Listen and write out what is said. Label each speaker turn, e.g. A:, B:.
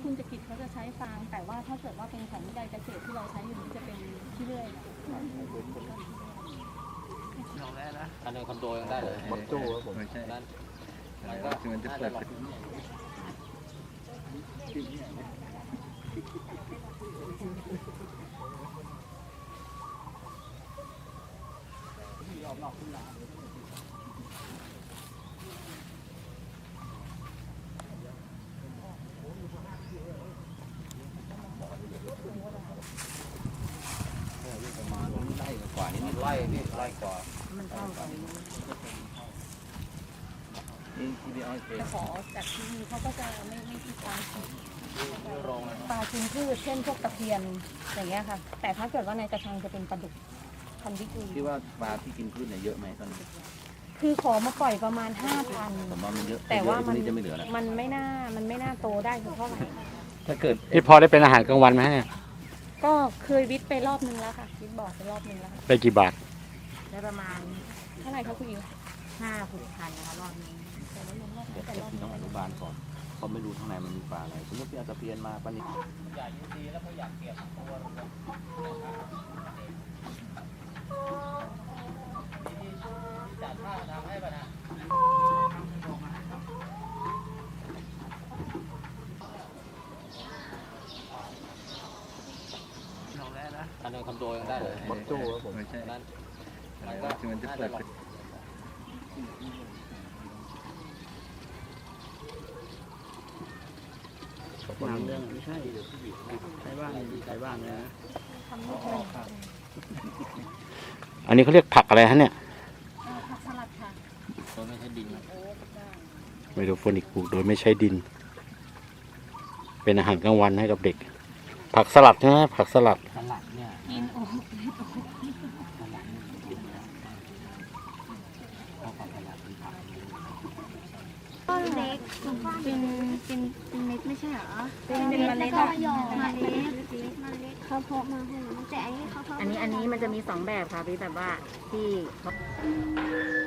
A: คุณจักริดเขาจะใช้ฟางแต่ว่าถ้าเกิดว่าเป็นของวิจัยเกษตรที่เราใช้อยู่นี่จะเป็นขี้เลื่อย
B: อันในคอนโดยังได้เลย
C: มอตโจ้ครับผมไม่ใช่
B: นั่น
C: มันก็มันจะเปิด
B: ประมาณไร่กว่านี้ไร่นี่ไร่กว่า
A: มันเท่ากัน
C: นี่ที่พี่อ้อยเอง
A: ขอจากที่นี่เขาก็จะไม่มีการฉีด
B: โรง
A: ปลากินพืชเช่นพวกตะเพียนอย่างเงี้ยค่ะแต่ถ้าเกิดว่าในกระชังจะเป็นปลาดุกพันธุ์วิกุย
C: คิดว่าปลาที่กินพืชเนี่ยเยอะไหมตอนนี้
A: คือขอมาปล่อยประมาณ 5,000
C: ผมว่ามันเยอะ
A: แต่ว่ามัน
C: จะไม่เหลือแล้ว
A: มันไม่น่าโตได้สักเท่าไหร่
C: ถ้าเกิด
D: นี่พอได้เป็นอาหารกลางวันไหมเนี่ย
A: ก็เคยวิทย์ไปรอบนึงแล้วค่ะวิทย์บอกไปรอบนึงแล้วค่ะ
D: ได้กี่บาท
A: ได้ประมาณเท่าไหร่คะคุณอิ๋ว5-6,000นะคะรอบนึงแต่ว่ายังรอบ
C: เดี๋ยว
A: แต่รอบ
C: พี่ต้องอนุบาลก่อนเขาไม่รู้ข้างในมันมีปลาอะไรสมมติพี่เอาตะเพียนมาปลานิล
B: ใหญ่ดีแล้วเขาอยากเก็บตัวจัดท่าทำให้ป่ะนะอันในคอนโดยังได้เลย
C: มอตโจ้ครับผมไม่ใช่
B: นั่น
C: มันก็มันจะเปิด
D: น้ำเรื่องไม่ใช่ใช้บ้านใช้บ้านนะ
A: ทำไม่เป็น
D: อันนี้เขาเรียกผักอะไรฮะเนี่ย
A: ผักสลัดค่ะ
B: ตัวไม่ใช่ดินนะ
A: โอ้ได้
D: ไมโครโฟนิกปลูกโดยไม่ใช้ดิน เป็นอาหารกลางวันให้กับเด็ก ผักสลัดใช่ไหมผักสลัด
B: สลัดเนี่ย
A: กินโอ้
B: สลัดนี่ดินนะเพราะความสลัดเป็นผัก
E: ก้อนเล็กเป็นเม็ดไม่ใช่เหรอ
A: เป็นเมล็ด
E: แล้วก็หยอดเมล็ดเขาเพาะมาให้แต่อันนี้เขาเพาะ
A: อันนี้มันจะมี2แบบค่ะพี่แบบว่าที่